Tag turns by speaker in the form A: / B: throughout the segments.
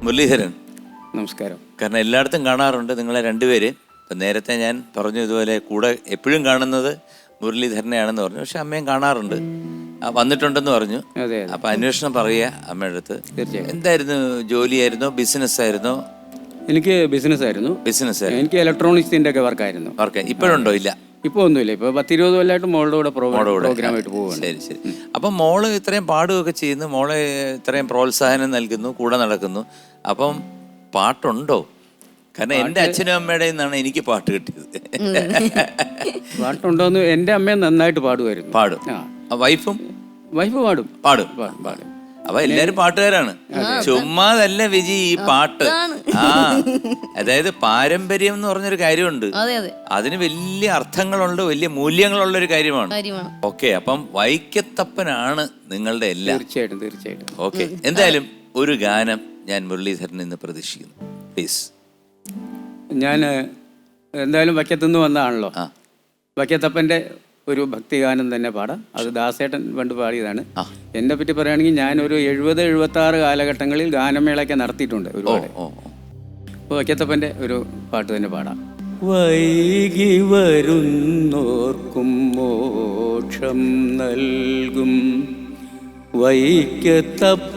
A: മുരളീധരൻ,
B: നമസ്കാരം.
A: കാരണം എല്ലായിടത്തും കാണാറുണ്ട് നിങ്ങളെ രണ്ടുപേര്. ഇപ്പം നേരത്തെ ഞാൻ പറഞ്ഞു ഇതുപോലെ കൂടെ എപ്പോഴും കാണുന്നത് മുരളീധരനെയാണെന്ന് പറഞ്ഞു. പക്ഷെ അമ്മയും കാണാറുണ്ട്, വന്നിട്ടുണ്ടെന്ന് പറഞ്ഞു. അപ്പം അന്വേഷണം പറയുക അമ്മയുടെ അടുത്ത്. എന്തായിരുന്നു ജോലിയായിരുന്നോ ബിസിനസ് ആയിരുന്നോ?
B: എനിക്ക് ബിസിനസ് ആയിരുന്നു.
A: ബിസിനസ്
B: എനിക്ക് ഇലക്ട്രോണിക്സിന്റെ ഒക്കെ വർക്കായിരുന്നു.
A: വർക്ക് ഇപ്പോഴുണ്ടോ? ഇല്ല,
B: ഇപ്പൊ ഒന്നുമില്ല. ഇപ്പൊ 10-20 കൊല്ലമായിട്ട് മോളുടെ കൂടെ പ്രോഗ്രാമായിട്ട് പോവുകയാണ്.
A: ശരി ശരി. അപ്പം മോള് ഇത്രയും പാടുകയൊക്കെ ചെയ്യുന്നു, മോളെ ഇത്രയും പ്രോത്സാഹനം നൽകുന്നു, കൂടെ നടക്കുന്നു. അപ്പം പാട്ടുണ്ടോ? കാരണം എൻ്റെ അച്ഛനും അമ്മയുടെ നിന്നാണ് എനിക്ക് പാട്ട് കിട്ടിയത്.
B: പാട്ടുണ്ടോന്ന് എൻ്റെ അമ്മ നന്നായിട്ട് പാടുമായിരുന്നു.
A: പാടും. വൈഫ് പാടും.
B: പാടും.
A: അപ്പൊ എല്ലാരും പാട്ടുകാരാണ്. ചുമ്മാതല്ല വിജി ഈ പാട്ട്. അതായത് പാരമ്പര്യം എന്ന് പറഞ്ഞൊരു കാര്യമുണ്ട്. അതിന് വലിയ അർത്ഥങ്ങളുണ്ട്, വലിയ മൂല്യങ്ങളുള്ള ഒരു കാര്യമാണ്. ഓക്കെ, അപ്പം വൈക്കത്തപ്പനാണ് നിങ്ങളുടെ എല്ലാം.
B: തീർച്ചയായിട്ടും.
A: ഓക്കെ, എന്തായാലും ഒരു ഗാനം ഞാൻ മുരളീധരൻ ഇന്ന് പ്രതീക്ഷിക്കുന്നു, പ്ലീസ്.
B: ഞാൻ എന്തായാലും വൈക്കത്തുനിന്ന് വന്നതാണല്ലോ. വൈക്കത്തപ്പൻ്റെ ഒരു ഭക്തിഗാനം തന്നെ പാടാം. അത് ദാസേട്ടൻ പണ്ട് പാടിയതാണ്. എന്നെ പറ്റി പറയുകയാണെങ്കിൽ ഞാനൊരു 70-76 കാലഘട്ടങ്ങളിൽ ഗാനമേളയൊക്കെ നടത്തിയിട്ടുണ്ട് ഒരുപാട്. അപ്പോൾ വൈക്കത്തപ്പൻ്റെ ഒരു പാട്ട് തന്നെ പാടാം. വൈകി വരുന്നോർക്കും മോക്ഷം നൽകും വൈക്കത്തപ്പ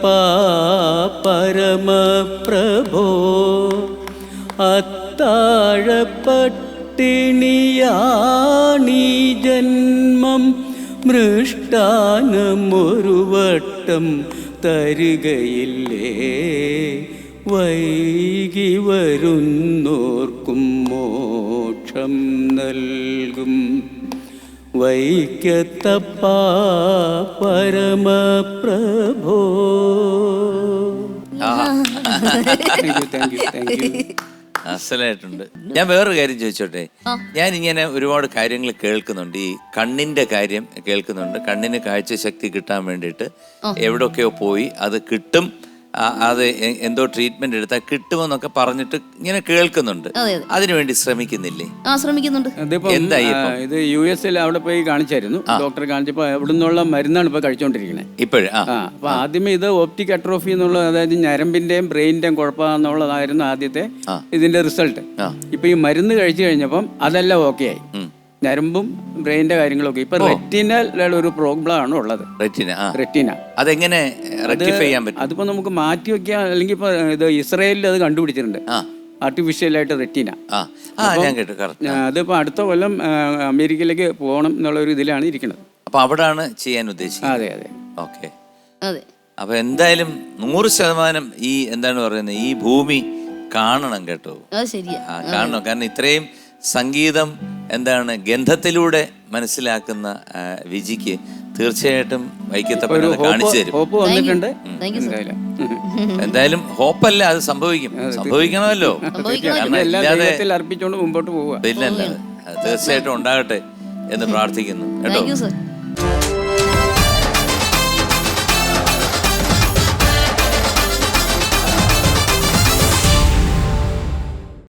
B: പരമപ്രഭോ, അത്താഴപ്പട്ടിണിയാണീ ജന്മം, മൃഷ്ടാനമൊരു വട്ടം തരികയില്ലേ, വൈകി വരുന്നോർക്കും മോക്ഷം നൽകും വൈക്കത്തപ്പ പരമപ്രഭോ.
A: അസലായിട്ടുണ്ട്. ഞാൻ വേറൊരു കാര്യം ചോദിച്ചോട്ടെ. ഞാൻ ഇങ്ങനെ ഒരുപാട് കാര്യങ്ങൾ കേൾക്കുന്നുണ്ട്. ഈ കണ്ണിന്റെ കാര്യം കേൾക്കുന്നുണ്ട്. കണ്ണിന് കാഴ്ചശക്തി കിട്ടാൻ വേണ്ടിയിട്ട് എവിടെയൊക്കെയോ പോയി അത് കിട്ടും, അത് എന്തോ ട്രീറ്റ്മെന്റ് എടുത്താൽ കിട്ടുമെന്നൊക്കെ പറഞ്ഞിട്ട് ഇങ്ങനെ കേൾക്കുന്നുണ്ട്. അതിനുവേണ്ടി ശ്രമിക്കുന്നില്ലേ?
B: ശ്രമിക്കുന്നുണ്ട്. ഇത് US അവിടെ പോയി കാണിച്ചായിരുന്നു, ഡോക്ടറെ കാണിച്ചപ്പോ അവിടെ നിന്നുള്ള മരുന്നാണ് ഇപ്പൊ കഴിച്ചോണ്ടിരിക്കുന്നത് ഇപ്പോഴും. അപ്പൊ ആദ്യമേ ഇത് ഓപ്റ്റിക് അട്രോഫി എന്നുള്ള, അതായത് ഞരമ്പിന്റെയും ബ്രെയിനിന്റെയും കുഴപ്പമെന്നുള്ളതായിരുന്നു ആദ്യത്തെ ഇതിന്റെ റിസൾട്ട്. ഇപ്പൊ ഈ മരുന്ന് കഴിച്ചു കഴിഞ്ഞപ്പം അതെല്ലാം ഓക്കെ ആയി, ഞരമ്പും ബ്രെയിനിന്റെ കാര്യങ്ങളൊക്കെ. ഇപ്പൊ റെറ്റിനൽ ഒരു പ്രോബ്ലം ആണ് ഉള്ളത്. റെറ്റിന
A: അതെങ്ങനെ റെക്ടിഫൈ ചെയ്യാൻ പറ്റും?
B: അതിപ്പോ നമുക്ക് മാറ്റി വെക്കാം, അല്ലെങ്കിൽ ഇപ്പൊ ഇത് ഇസ്രായേലിൽ അത് കണ്ടുപിടിച്ചിട്ടുണ്ട്, ആർട്ടിഫിഷ്യലായിട്ട് റെറ്റിന. അതിപ്പോ അടുത്ത കൊല്ലം അമേരിക്കയിലേക്ക് പോകണം എന്നുള്ള ഒരു ഇതിലാണ് ഇരിക്കുന്നത്.
A: അപ്പൊ അവിടാണ് ചെയ്യാൻ ഉദ്ദേശിക്കുന്നത്.
B: അതെ.
A: ഓക്കെ. അപ്പൊ എന്തായാലും 100% ഈ എന്താണ് പറയുന്നത്, ഈ ഭൂമി കാണണം കേട്ടോ. കാണണം. കാരണം ഇത്രയും സംഗീതം എന്താണ് ഗന്ധത്തിലൂടെ മനസ്സിലാക്കുന്ന വിജിക്ക് തീർച്ചയായിട്ടും വൈക്കത്തപ്പൻ കാണിച്ചു തരും. എന്തായാലും ഹോപ്പല്ല, അത് സംഭവിക്കണമല്ലോ.
B: അർപ്പിച്ചുകൊണ്ട് മുമ്പോട്ട് പോവുക.
A: തീർച്ചയായിട്ടും ഉണ്ടാകട്ടെ എന്ന് പ്രാർത്ഥിക്കുന്നു കേട്ടോ.